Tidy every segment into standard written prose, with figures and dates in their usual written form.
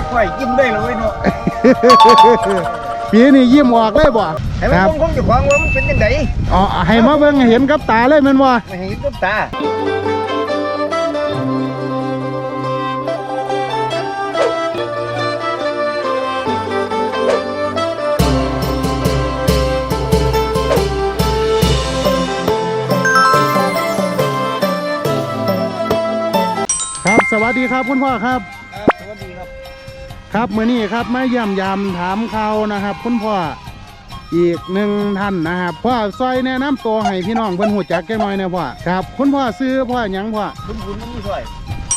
ไหวยิ้มได้เลยเนาะปีนี้ยิ้มออกเลยบ่ให้มันคงจะควางว่ามันเป็นยังไงอ๋อให้มาเบิ่งเห็นกับตาเลยแม่นบ่ไม่เห็นกับตาครับสวัสดีครับคุณพ่อครับสวัสดีครับครับมื้อนี้ครับมาเยี่ยมยามถามข่าวนะครับคุณพ่ออีกหนึ่งท่านนะครับพ่อซอยแนะนำตัวให้พี่น้องเพิ่นหูจักแก่น้อยนะพ่อครับคุณพ่อซื้อพ่อหยังพ่อบุญมันมีซอย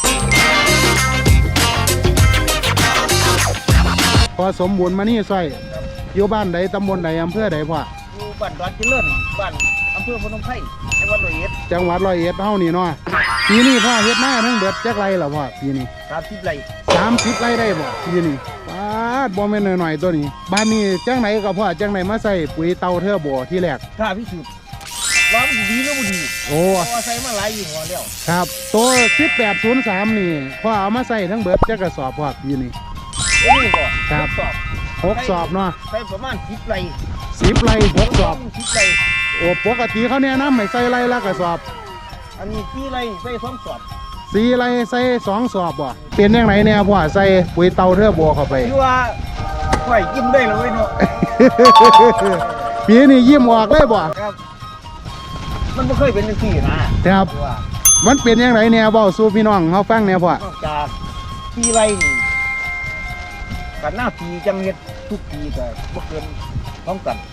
พ่อสมบูรณ์มานี่ซอยอยู่บ้านใดตำบลใดอำเภอใดพ่ออยู่บ้านดอนเจริญบ้านอำเภอพนมไพรจังหวัดร้อยเอ็ดจังหวัดร้อยเอ็ดเฮานี่เนาะปีนี้พ่อเฮ็ดหน้าทั้งเบิดจักไรล่ะพ่อปีนี้ 30 ไร่ 30 ไร่ได้บ่ปีนี้ป้าดบ่แม่นน้อยๆตัวนี้บ้านนี้จังไหนก็พ่อจังไหนมาใส่ปุ๋ยเตาเทอร์โบที่แรกถ้าพิสูจน์ว่ามันดีหรือบ่ดีโอ้ใส่มาหลายยี่ห้อแล้วครับตัว1803นี่พ่อเอามาใส่ทั้งเบิดจักกระสอบพ่อปีนี้นี่ก็ครับ6 สอบเนาะใส่ประมาณ10 ไร่ 10 ไร่6 สอบ 10 ไร่โอ้ปกติเขาแนะนำให้ใส่ไร่ละกระสอบอันนี้4 ไร่ใส่2 สอบ 4 ไร่ใส่2 สอบบ่เป็นยังไงเนี่ยพ่อใส่ปุ๋ยเตาเทอร์โบเข้าไปคือว่าไหวยิ้มได้เลยเนาะปีนี้ยิ้มออกเลยบ่ครับมันไม่เคยเป็นจังซี่นะครับมันเป็นยังไงเนี่ยเว้าสู่พี่น้องเฮาฟังเนี่ยพ่อนอกจาก4 ไร่นี่กันหน้าปีจังเฮ็ดทุกปีก็บ่เกิน2 ตัน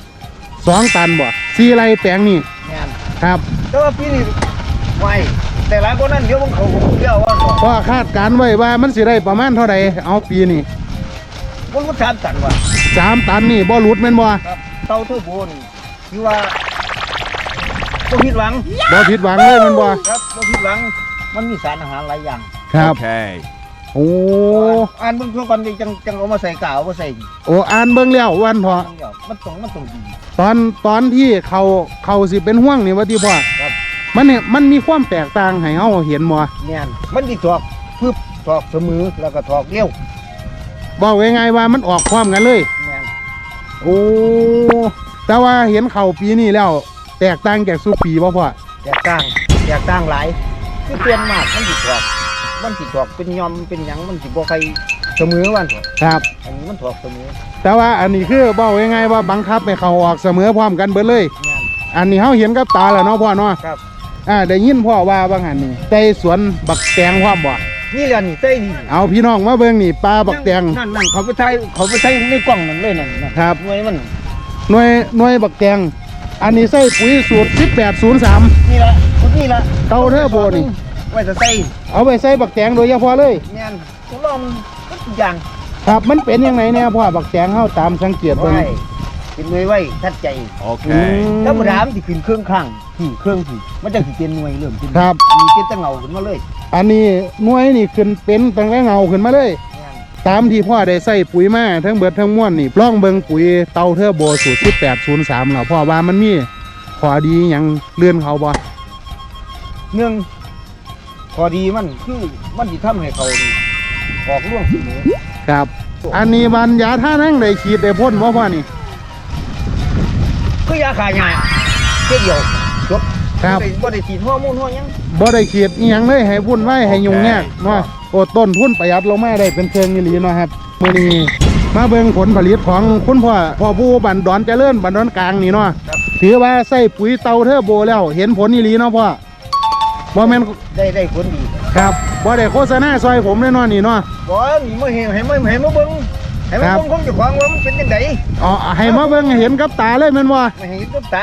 2 ตันบ่4 ไร่แปลงนี่แม่นครับแต่ว่าปีนี้ไหวแต่หลายคนนั้นเดี๋ยวผมเขาเรียกว่าพ่อคาดการไว้ว่ามันสิได้ประมาณเท่าใดเอาปีนี้มันก็3 ตันว่ะ 3 ตันนี่บ่หลุดแม่นบ่ครับเตาเทอร์โบนี่คือว่าบ่ผิดหวังเลยแม่นบ่ครับบ่ผิดหวังมันมีสารอาหารหลายอย่างครับโอ้อ่านเบิ่งทั่วกันจังเอามาใส่กาวเอามาใส่โอ้อ่านเบิ่งแล้ววันพอมันต้องดีตอนที่เขาสิเป็นห่วงนี่ว่าที่พ่อครับมันเนี่ยมันมีความแตกต่างให้เฮาเห็นบ่แม่นมันสิถอกพึบถอกเสมอแล้วก็ถอกเร็วบอกง่ายๆว่ามันออกพร้อมกันเลยแม่นโอ้แต่ว่าเห็นเขาปีนี้แล้วแตกต่างจากสุปีบ่พ่อแตกต่างหลายคือเปลี่ยนมากมันสิถอกเป็นยอมเป็นหยังมันสิบ่ใครเสมอวันครับอันนี้มันถอกเสมอแต่ว่าอันนี้คือบอกง่ายๆว่าบังคับให้เขาออกเสมอพร้อมกันเบิดเลยอันนี้เฮาเห็นกับตาแล้วเนาะพ่อเนาะครับได้ยินพ่อว่าบางหันนี่ใส่สวนบักแตงพร้อมบ่นี่แหละนี่ใส่นี่เอาพี่น้องมาเบิ่งนี่ปลาบักแตงนั่นเขาไปใช้ในกล่องนั่นเลยนั่นครับหน่วยมันหน่วยบักแตงอันนี้ใส่ปุ๋ยสูตร1803 นี่ละเตาเทอร์โบนี่ไว้จะใส่เอาไปใส่บักแตงโดยเฉพาะเลยแม่นทดลองทุกอย่างครับมันเป็นยังไงเนี่ยพ่อบักแตงเฮาตามสังเกตเบิ่งเป็นหน่วยไว้ทัดใจโอเคถ้าบ่ถามสิขึ้นเครื่องข้างเครื่องมันจะสิเป็นหน่วยเริ่มขึ้นครับมีเป็นตะเงาขึ้นมาเลยอันนี้หน่วยนี่ขึ้นเป็นตั้งแต่เงาขึ้นมาเลยตามที่พ่อได้ใส่ปุ๋ยมาทั้งเบิดทั้งม้วนนี่ลองเบิ่งปุ๋ยเตาเทอร์โบสูตร1803แล้วพ่อว่ามันมีข้อดีหยังเลื่อนเขาบ่พอดีมันคือมันสิทำให้เขาออกร่วงเสมอครับอันนี้บรรยาท่านั่งได้ฉีดได้พ่นบ่พ่อนี่คือยาฆ่าหญ้าแค่เดียวจบครับบ่ได้ฉีดฮอร์โมนฮอหยังบ่ได้ฉีดอีหยังเลยให้วุ่นวายให้ยุ่งยากเนาะโอ้ต้นทุนประหยัดลงมาได้เป็นเชิงอีหลีเนาะครับมื้อนี้มาเบิ่งผลผลิตของคุณพ่อผู้บ้านดอนเจริญบ้านดอนกลางนี่เนาะถือว่าใส่ปุ๋ยเตาเทอร์โบแล้วเห็นผลอีหลีเนาะพ่อบ่แม่นได้ผลดีครับบ่ได้โฆษณาซอยผมแน่นอนนี่เนาะบ่นี่มาเห็นให้มาเบิ่งให้มันเบิ่งคงจะควางว่ามันเป็นจังได๋อ๋อให้มาเบิ่งเห็นกับตาเลยแม่นบ่ไม่เห็นกับตา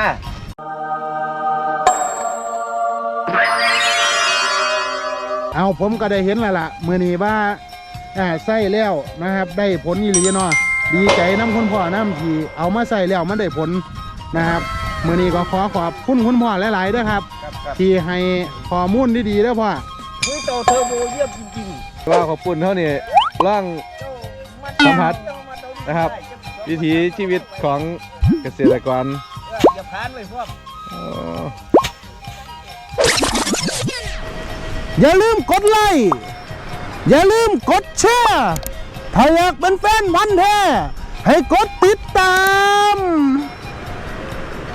เอาผมก็ได้เห็นแล้วล่ะมื้อนี้ว่าใส่แล้วนะครับได้ผลอีหลีเนาะดีใจนำคุณพ่อนำที่เอามาใส่แล้วมันได้ผลนะครับมื้อนี้ก็ขอบคุณคุณพ่อหลายๆเด้อครับที่ให้ข้อมูลดีๆเด้อพ่อปุ๋ยเตาเทอร์โบเยี่ยมจริงๆว่าขอบคุณเท่านี้ร่างสัมผัสนะครับวิถีชีวิตของเกษตรกรอย่าพลาดเลยพวกอย่าลืมกดไลค์อย่าลืมกดแชร์ถ้าอยากเป็นแฟนพันธุ์แท้ให้กดติด